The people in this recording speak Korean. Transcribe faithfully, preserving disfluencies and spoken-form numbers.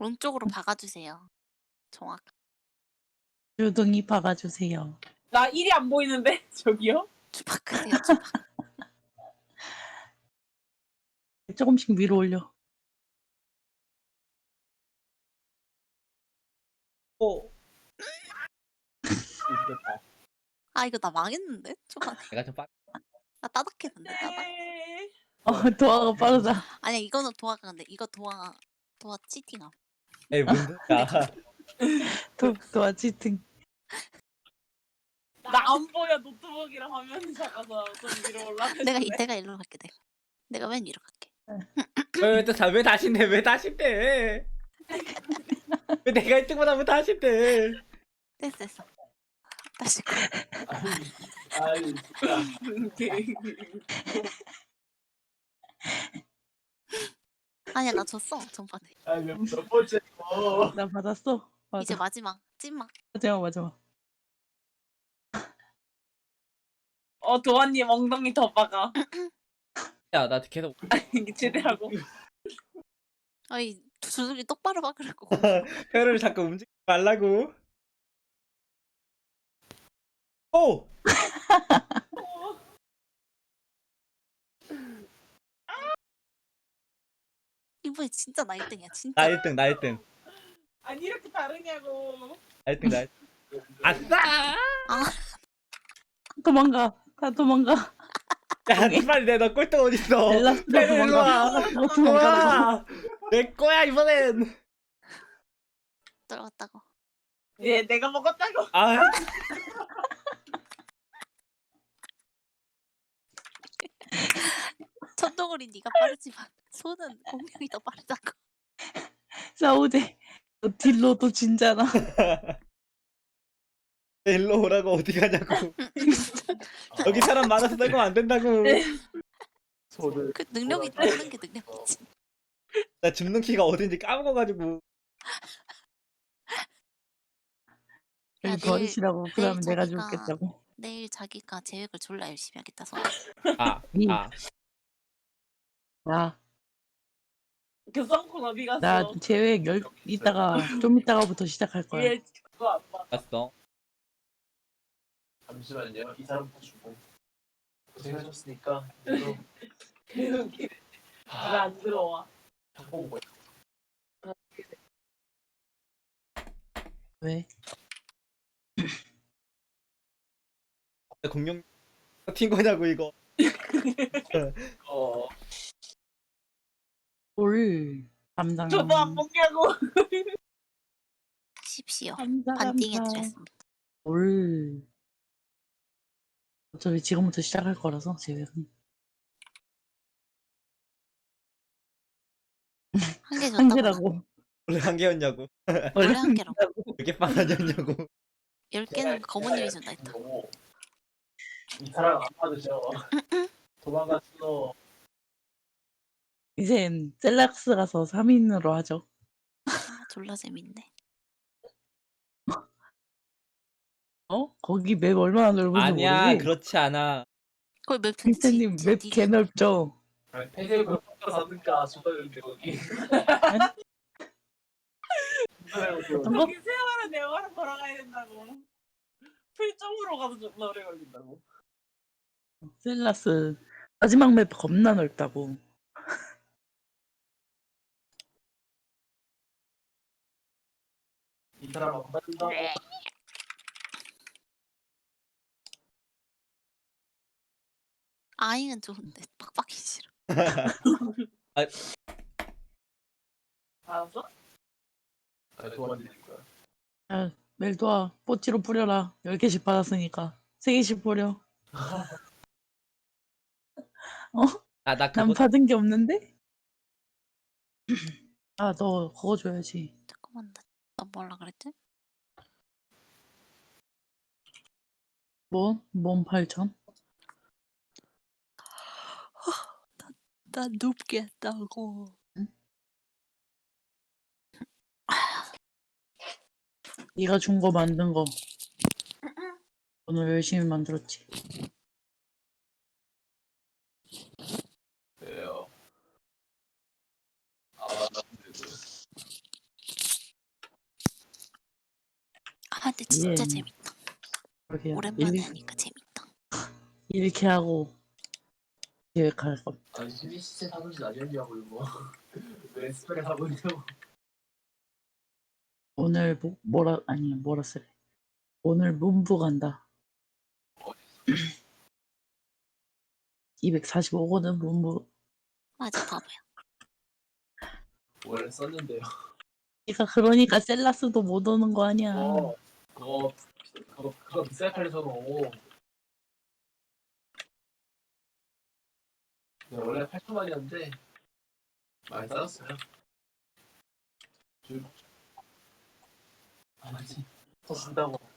오른쪽으로 박아주세요. 정확. 주둥이 박아주세요. 나 일이 안 보이는데 저기요? 주박 크세요. 주박. 조금씩 위로 올려. 오. 아 이거 나 망했는데? 초반에. 내가 좀 빠. 나 따닥했는데 따닥. 어, 도화가 빠르다. 아니야 이거는 도화가 근데 이거 도화 도화 치팅함. 에이 뭔데? 야. 도, 도화 치팅. 나 안 보여. 노트북이랑 화면이 작아서 좀 위로 올라가. 내가 이 내가 일로 갈게 내가. 내가 맨 위로 갈게. 왜또왜 다신데 왜 다신데? 왜 내가 일 등보다 왜 다신데? 됐어 됐어. 다시. 아이 진짜. 아니야 나 졌어 전반에. 아이 몇, 몇 번째고. 나 받았어. 맞아. 이제 마지막 찐막. 마지막 마지막. 어 도환님 엉덩이 더 박아. 야 나 계속 이게 제대하고. 아이 주둥이 똑바로 박으라고. 혀를 자꾸 움직이지 말라고. 오! 이번에 진짜 나 일 등이야 진짜. 나 일 등 나 일 등 아니 이렇게 다르냐고. 나 일 등 나 일 등. 아싸! 도망가. 다 도망가. 야 빨리 내너 꼴등 어딨어? 엘라스가 빨리 일로 와. 도망가. 도망가. 우와! 내 거야 이번엔. 들어갔다고. 예 내가 먹었다고. 아 천둥오리 네가 빠르지만 손은 공룡이 더 빠르다고. 싸우대. 너 딜로도 진잖아. 일로 오라고 어디 가냐고. 여기 사람 많아서 떨면 안 된다고. 손을. 그 능력이 없는 게 능력이지. 나 줍는 키가 어딘지 까먹어가지고. 야, 여기 내일- 버리시라고. 그 다음에 내일 내가 자기가- 죽겠다고. 내일 자기가 계획을 졸라 열심히 하겠다 서. 아, 이. 아. 나, 교성콘 어디 갔어? 나 계획 열, 이따가, 좀 이따가부터 시작할 거야. 얘 그거 안 봐. 봤어. 잠시만요. 이 사람부터 주고. 고생하셨으니까. 또 왜안 들어와? 자꾸 뭐 왜? 공룡 튄 거냐고 이거. 어. 올. 감당. 저도 안 먹냐고. 십시오. 감사, 반띵해 감사. 드렸습니다. 올. 어차피 지금부터 시작할 거라서, 계획은. 한 개 줬다고. 한 개라고. 원래 한 개였냐고. 원래 한 개라고. 왜 이렇게 빵하냐고. 열 개는 거모님이 준다 했다. 거고. 이 사람 안 받으셔. 도망갔어. 이젠 셀락스 가서 삼 인으로 하죠. 아 졸라 재밌네. 어? 거기 맵 얼마나 넓은지 아니야 모르지? 그렇지 않아. 거의 맵 핑크님 맵 개 넓죠? 폐쇄 그거 사든가 수다는데 거기. 어떤 거? 저기 세월은 내화를 걸어가야 된다고. 풀점으로 가도 존나 오래 걸린다고. 셀라스 마지막 맵 겁나 넓다고. 이 사람 안 받는다고. 아잉은 좋은데 빡빡이 싫어. 알았어? 아, 도와드릴 거야. 야, 멜도아 뽀찌로 뿌려라. 열 개씩 받았으니까 세 개씩 뿌려. 아나 난 그거 받은 게 없는데? 아, 너 그거 줘야지. 잠깐만 나, 나 뭐라 그랬지? 뭐? 몸 팔천? 난 높게 했다고. 네가 준 거 만든 거. 오늘 열심히 만들었지. 그래요. 아, 나 근데 그 아 근데 진짜 예. 재밌다. 그러게요. 오랜만에 일, 하니까 재밌다. 이렇게 하고 계획할 것. 아니 수빈 시체 사는지 아니었냐고 이거. 왜 스펠을 하고 있냐고. 오늘 뭐, 뭐라 아니 뭐라 쓰래. 오늘 문부 간다. 이백사십오 호는 문부. 맞아 바보야. 원래 썼는데요. 그러니까 그러니까 셀라스도 못 오는 거 아니야. 어, 그거 그거 그거 비쌀 팔려서 네, 원래 팔천만이었는데 많이 싸졌어요. 줄. 아, 맞지. 더 준다고.